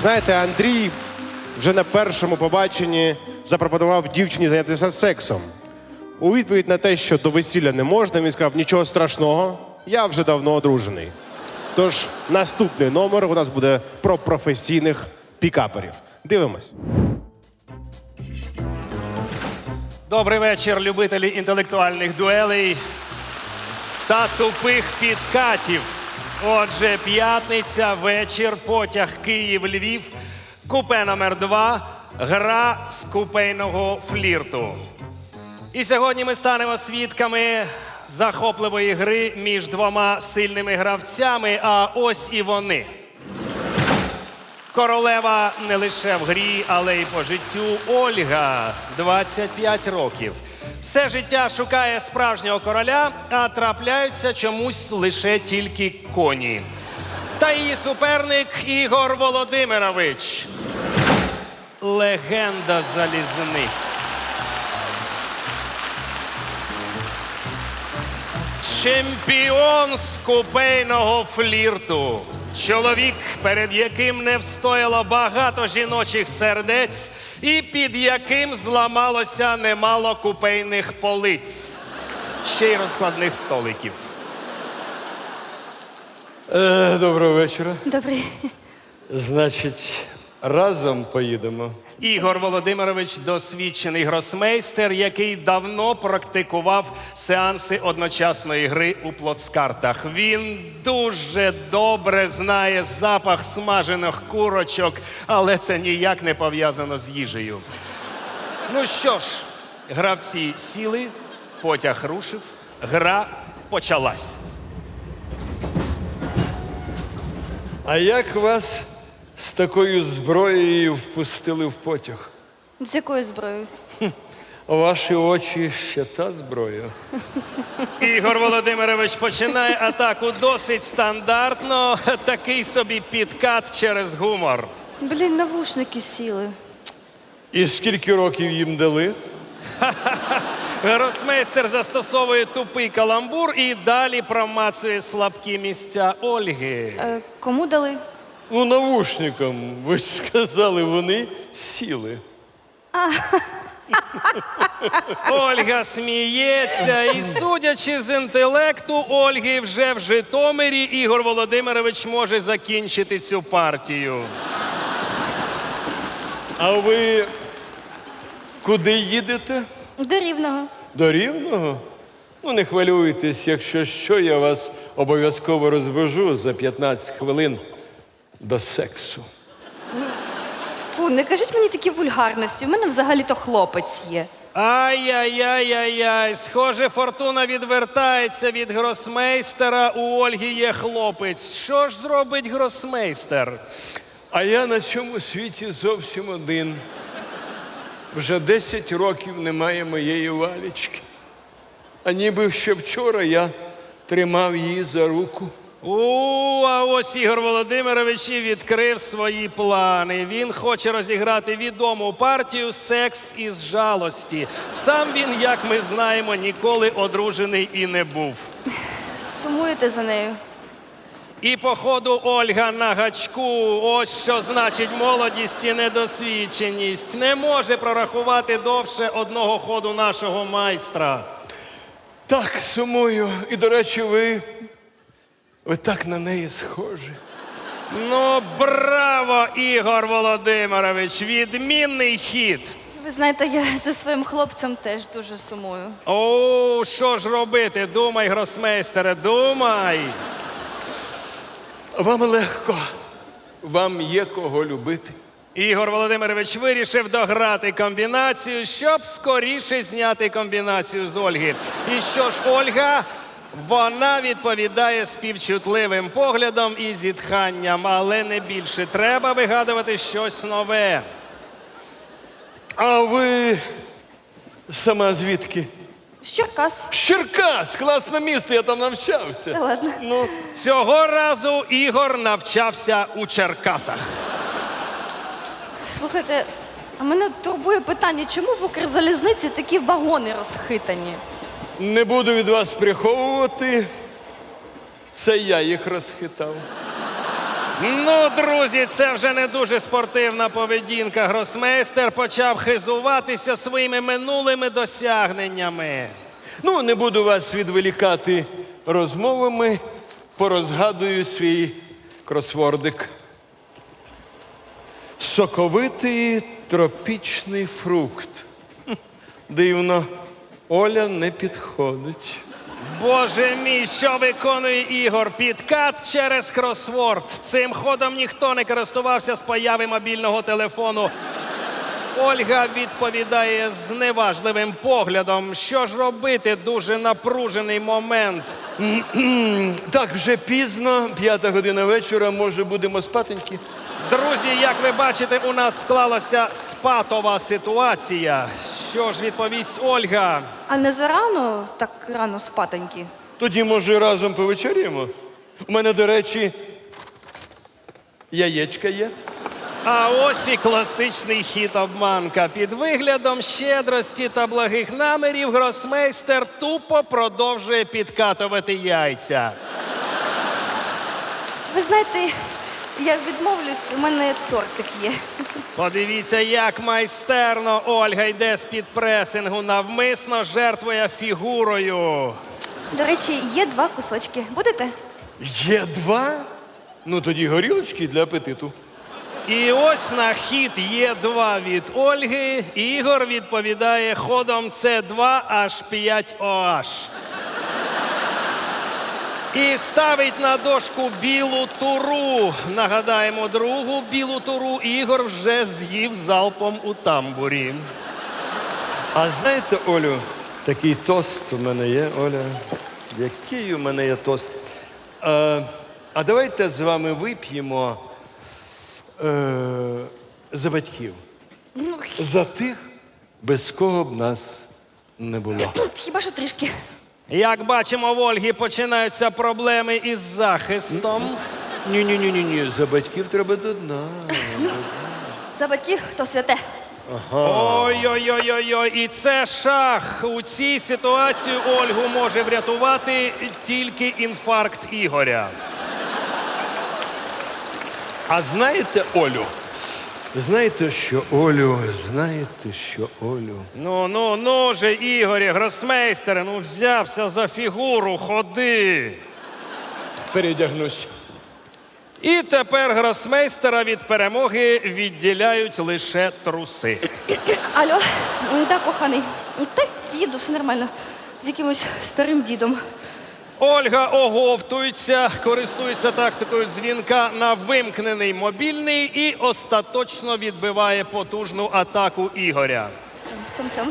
Знаєте, Андрій вже на першому побаченні запропонував дівчині зайнятися сексом. У відповідь на те, що до весілля не можна, він сказав, нічого страшного, я вже давно одружений. Тож наступний номер у нас буде про професійних пікаперів. Дивимось. Добрий вечір, любителі інтелектуальних дуелей та тупих підкатів. Отже, п'ятниця, вечір, потяг Київ-Львів, купе номер 2, гра з купейного флірту. І сьогодні ми станемо свідками захопливої гри між двома сильними гравцями, а ось і вони. Королева не лише в грі, але й по життю Ольга, 25 років. Все життя шукає справжнього короля, а трапляються чомусь лише тільки коні. Та її суперник Ігор Володимирович. Легенда залізниць. Чемпіон з купейного флірту. Чоловік, перед яким не встояло багато жіночих сердець і під яким зламалося немало купейних полиць. Ще й розкладних столиків. Доброго вечора. Добрий. Значить, разом поїдемо. Ігор Володимирович – досвідчений гросмейстер, який давно практикував сеанси одночасної гри у плацкартах. Він дуже добре знає запах смажених курочок, але це ніяк не пов'язано з їжею. Ну що ж, гравці сіли, потяг рушив, гра почалась. А як вас з такою зброєю впустили в потяг? З якою зброєю? Ваші очі ще та зброя. Ігор Володимирович починає атаку досить стандартно. Такий собі підкат через гумор. Блін, навушники сіли. І скільки років їм дали? Гросмейстер застосовує тупий каламбур і далі промацує слабкі місця Ольги. Кому дали? Ну, навушникам. Ви ж сказали, вони сіли. Ольга сміється і, судячи з інтелекту Ольги, вже в Житомирі Ігор Володимирович може закінчити цю партію. А ви куди їдете? До Рівного. До Рівного? Ну, не хвилюйтесь, якщо що, я вас обов'язково розвожу за 15 хвилин до сексу. Фу, не кажіть мені такі вульгарності. У мене взагалі-то хлопець є. Ай-яй-яй-яй-яй, схоже, фортуна відвертається від гросмейстера, у Ольги є хлопець. Що ж зробить гросмейстер? А я на цьому світі зовсім один. Вже 10 років немає моєї Валічки. А ніби ще вчора я тримав її за руку. А ось Ігор Володимирович і відкрив свої плани. Він хоче розіграти відому партію «Секс із жалості». Сам він, як ми знаємо, ніколи одружений і не був. Сумуєте за нею? І походу Ольга на гачку. Ось що значить молодість і недосвідченість. Не може прорахувати довше одного ходу нашого майстра. Так, сумую. І, до речі, ви так на неї схожі. Ну, браво, Ігор Володимирович! Відмінний хід! Ви знаєте, я за своїм хлопцем теж дуже сумую. О, що ж робити? Думай, гросмейстере, думай! Вам легко. Вам є кого любити. Ігор Володимирович вирішив дограти комбінацію, щоб скоріше зняти комбінацію з Ольги. І що ж, Ольга? Вона відповідає співчутливим поглядом і зітханням, але не більше. Треба вигадувати щось нове. А ви сама звідки? З Черкас. Черкас! Класне місто, я там навчався. Та ладно. Ну, Цього разу Ігор навчався у Черкасах. Слухайте, а мене турбує питання, чому в Укрзалізниці такі вагони розхитані? не буду від вас приховувати. Це я їх розхитав. Ну, друзі, це вже не дуже спортивна поведінка. Гросмейстер почав хизуватися своїми минулими досягненнями. Ну, не буду вас відволікати розмовами, порозгадую свій кросвордик. Соковитий тропічний фрукт. Дивно, Оля не підходить. Боже мій, що виконує Ігор? Підкат через кросворд. Цим ходом ніхто не користувався з появи мобільного телефону. Ольга відповідає з неважливим поглядом. Що ж робити? Дуже напружений момент. Так, вже пізно, 5 година вечора, може, будемо спатеньки? Друзі, як ви бачите, у нас склалася спатова ситуація. Що ж відповість Ольга? А не зарано так рано спатоньки? Тоді, може, разом повечеряємо? У мене, до речі, яєчка є. А ось і класичний хід обманка. Під виглядом щедрості та благих намірів гросмейстер тупо продовжує підкатувати яйця. Ви знаєте, я відмовлюсь, у мене тортик є. Подивіться, як майстерно Ольга йде з-під пресингу, навмисно жертвує фігурою. До речі, є 2 кусочки. Будете? Є 2? Ну, тоді горілочки для апетиту. І ось на хід Є2 від Ольги. Ігор відповідає ходом С2H5OH. І ставить на дошку білу туру. Нагадаємо, другу білу туру Ігор вже з'їв залпом у тамбурі. А знаєте, Олю, такий тост у мене є, Оля. Який у мене є тост? А давайте з вами вип'ємо за батьків. Ну, За тих, без кого б нас не було. хіба що трішки. Як бачимо, в Ольги починаються проблеми із захистом. Ні, за батьків треба до дна. За батьків то святе. Ой-ой-ой-ой-ой, і це шах. У цій ситуації Ольгу може врятувати тільки інфаркт Ігоря. А знаєте, Олю? Знаєте, що Олю? Ну же, Ігорі, гросмейстере, ну взявся за фігуру, ходи. Передягнусь. І тепер гросмейстера від перемоги відділяють лише труси. Алло, так, коханий. Так, їду, все нормально. З якимось старим дідом. Ольга оговтується, користується тактикою дзвінка на вимкнений мобільний і остаточно відбиває потужну атаку Ігоря. Цьом-цьом.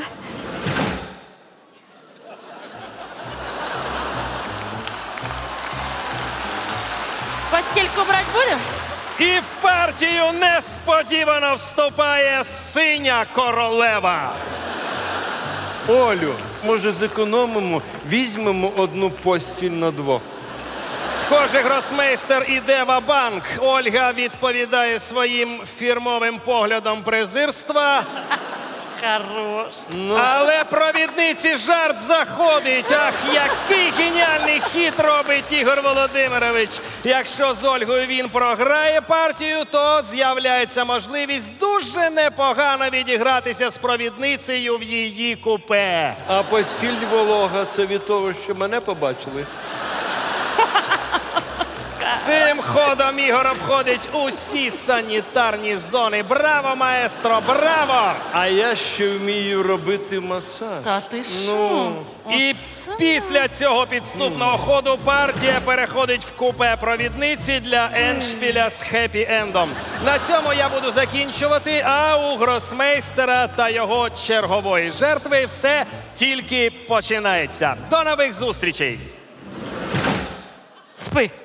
Постельку брать будем? І в партію несподівано вступає синя королева. Олю, може зекономимо, візьмемо одну постіль на 2. Схоже, гросмейстер іде ва-банк. Ольга відповідає своїм фірмовим поглядом презирства. Хорош. Але провідниці жарт заходить. Ах, який геніальний хід робить Ігор Володимирович. Якщо з Ольгою він програє партію, то з'являється можливість дуже непогано відігратися з провідницею в її купе. А постіль волога, це від того, що мене побачили? Цим ходом Ігор обходить усі санітарні зони. Браво, маестро, браво! А я ще вмію робити масаж. Та ти що? І після цього підступного ходу партія переходить в купе провідниці для ендшпіля з хеппі-ендом. На цьому я буду закінчувати, а у гросмейстера та його чергової жертви все тільки починається. До нових зустрічей! Спи.